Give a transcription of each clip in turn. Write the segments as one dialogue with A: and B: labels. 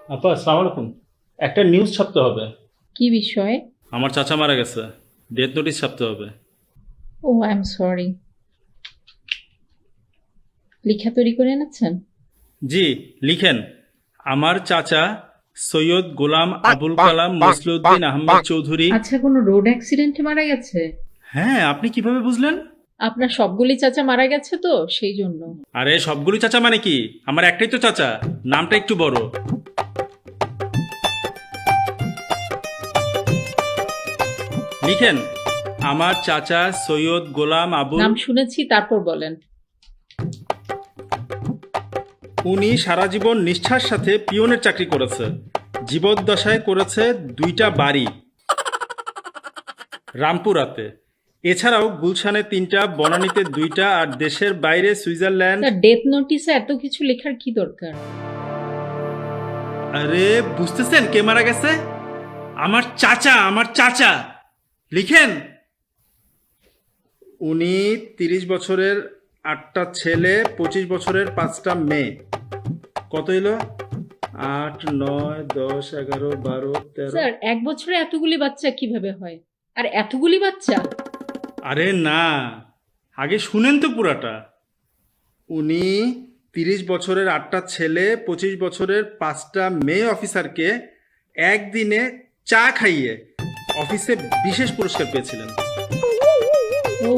A: আপা আসসালামু আলাইকুম। একটা নিউজ ছাপতে হবে।
B: কি বিষয়ে?
A: আমার চাচা মারা গেছে, ডেথ নোটিশ ছাপতে হবে।
B: Oh I am sorry. লিখা তৈরি করে এনেছেন?
A: জি, লিখেন। আমার চাচা সৈয়দ গোলাম আবুল কালাম মসলিউদ্দিন আহমেদ চৌধুরী।
B: আচ্ছা, কোনো রোড অ্যাক্সিডেন্টে মারা গেছে?
A: হ্যাঁ, আপনি কিভাবে বুঝলেন?
B: আপনার সবগুলি চাচা মারা গেছে তো সেই জন্য।
A: আরে সবগুলো চাচা মানে কি? আমার একটাই তো চাচা, নামটা একটু বড়। লিখেন, আমার চাচা সৈয়দ গোলাম আবুল।
B: নাম শুনেছি, তারপর বলেন।
A: উনি সারা জীবন নিষ্ঠার সাথে পিয়নের চাকরি করেছে। জীবদ্দশায় করেছে 2টা বাড়ি রামপুরাতে। এছাড়াও গুলশানে 3টা, বনানীতে 2টা, আর দেশের বাইরে সুইজারল্যান্ড।
B: স্যার, ডেথ নোটিসে এত কিছু লেখার কি দরকার?
A: আরে বুঝতেছেন কে মারা গেছে? আমার চাচা, আমার চাচা। লিখেন, উনি 30 বছরের 8টা ছেলে, 25 বছরের 5টা মেয়ে। কত হইলো? 8, 9, 10, 11, 12, 13।
B: স্যার, এক বছরে এতগুলি বাচ্চা কিভাবে হয়? আর এতগুলি বাচ্চা?
A: আরে না, আগে শুনেন তো পুরাটা। উনি 30 বছরের 8টা ছেলে, 25 বছরের 5টা মেয়ে অফিসারকে একদিনে চা খাইয়ে অফিসে বিশেষ পুরস্কার পেয়েছিলেন।
B: ও,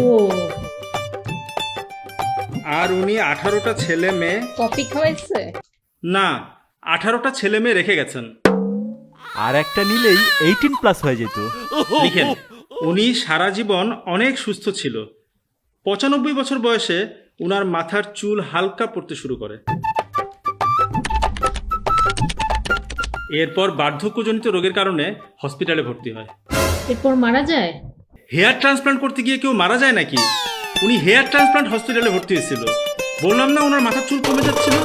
A: আর উনি 18টা ছেলে মেয়ে।
B: কফি খাওয়াইছে?
A: না, 18টা ছেলে মেয়ে রেখে গেছেন।
C: আর একটা নিলেই 18+ হয়ে যেত।
A: লিখেন, উনি সারা জীবন অনেক সুস্থ ছিল। 95 বছর বয়সে উনার মাথার চুল হালকা পড়তে শুরু করে। এরপর বার্ধক্যজনিত রোগের কারণে হসপিটালে ভর্তি হয়।
B: এরপর মারা যায়?
A: হেয়ার ট্রান্সপ্লান্ট করতে গিয়ে কেউ মারা যায় নাকি? উনি হেয়ার ট্রান্সপ্লান্ট হসপিটালে ভর্তি হয়েছিল। বললাম না ওনার মাথার চুল কমে যাচ্ছিল।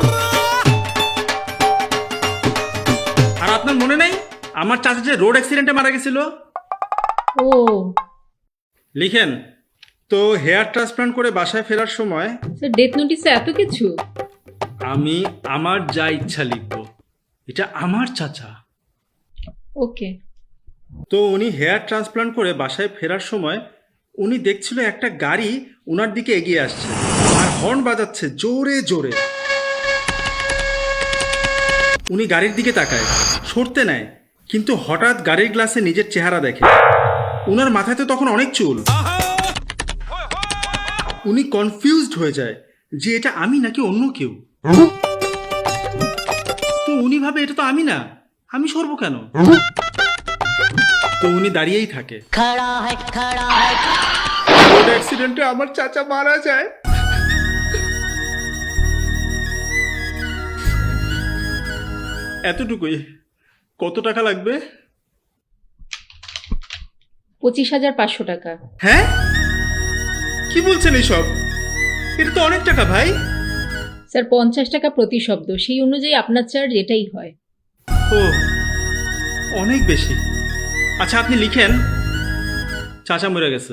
A: আর আপনার মনে নাই আমার চাচা যে রোড অ্যাক্সিডেন্টে মারা গেছিল?
B: ও,
A: লিখেন, তো হেয়ার ট্রান্সপ্লান্ট করে বাসায় ফেরার সময়
B: স্যার, ডেথ নোটিসে এত কিছু?
A: আমি আমার যা ইচ্ছা লিখব। এটা আমার চাচা।
B: ওকে।
A: তো উনি হেয়ার ট্রান্সপ্লান্ট করে বাসায় ফেরার সময় উনি দেখছিল একটা গাড়ি উনার দিকে এগিয়ে আসছে আর হর্ন বাজাচ্ছে জোরে জোরে। উনি গাড়ির দিকে তাকায়, সরতে নেয়, কিন্তু হঠাৎ গাড়ির গ্লাসে নিজের চেহারা দেখে। উনার মাথায় তো তখন অনেক চুল। উনি কনফিউজড হয়ে যায় যে এটা আমি নাকি অন্য কেউ। তো উনি ভাবে এটা তো আমি না, আমি সরবো কেন? তো উনি দাঁড়িয়েই থাকে। রোড অ্যাক্সিডেন্টে আমার চাচা মারা যায়। এতটুকুই। কত টাকা লাগবে?
B: 25,500 টাকা।
A: হ্যাঁ, কি বলছেন এইসব? এটা তো অনেক টাকা ভাই।
B: স্যার, 50 টাকা প্রতি শব্দ, সেই অনুযায়ী আপনার চার্জ এটাই হয়।
A: ও, অনেক বেশি। আচ্ছা আপনি লিখেন, চাচা মরে গেছে,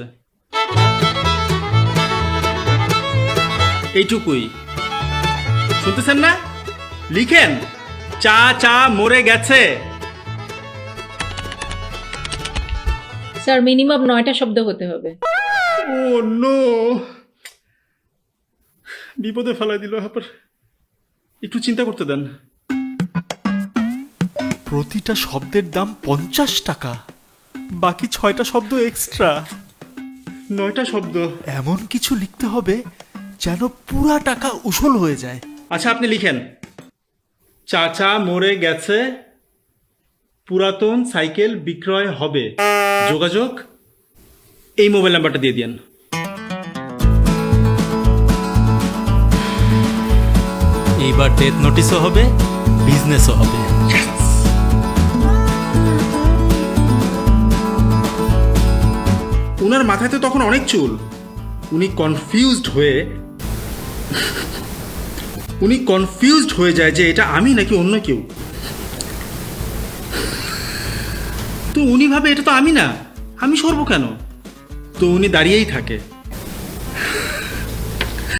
A: এইটুকুই। শুনতেছেন না? লিখেন, চাচা মরে গেছে।
B: স্যার, মিনিমাম 9টা শব্দ হতে হবে।
A: ও নো, বিপদে ফেলাই দিল। আবার একটু চিন্তা করতে দেন।
C: প্রতিটা শব্দের দাম 50 টাকা, বাকি 6টা শব্দ এক্সট্রা।
A: 9টা শব্দ।
C: এমন কিছু লিখতে হবে যেন পুরা টাকা উসুল হয়ে যায়।
A: আচ্ছা আপনি লিখেন, চাচা মরে গেছে, পুরাতন সাইকেল বিক্রয় হবে, যোগাযোগ এই মোবাইল নাম্বারটা দিয়ে দিন।
C: এইবার ডেথ নোটিশও হবে, বিজনেসও হবে।
A: উনার মাথায় তো তখন অনেক চুল। উনি কনফিউজড হয়ে যায় যে এটা আমি নাকি অন্য কেউ। তো উনি ভাবে এটা তো আমি না, আমি সরবো কেন? তো উনি দাঁড়িয়েই থাকে।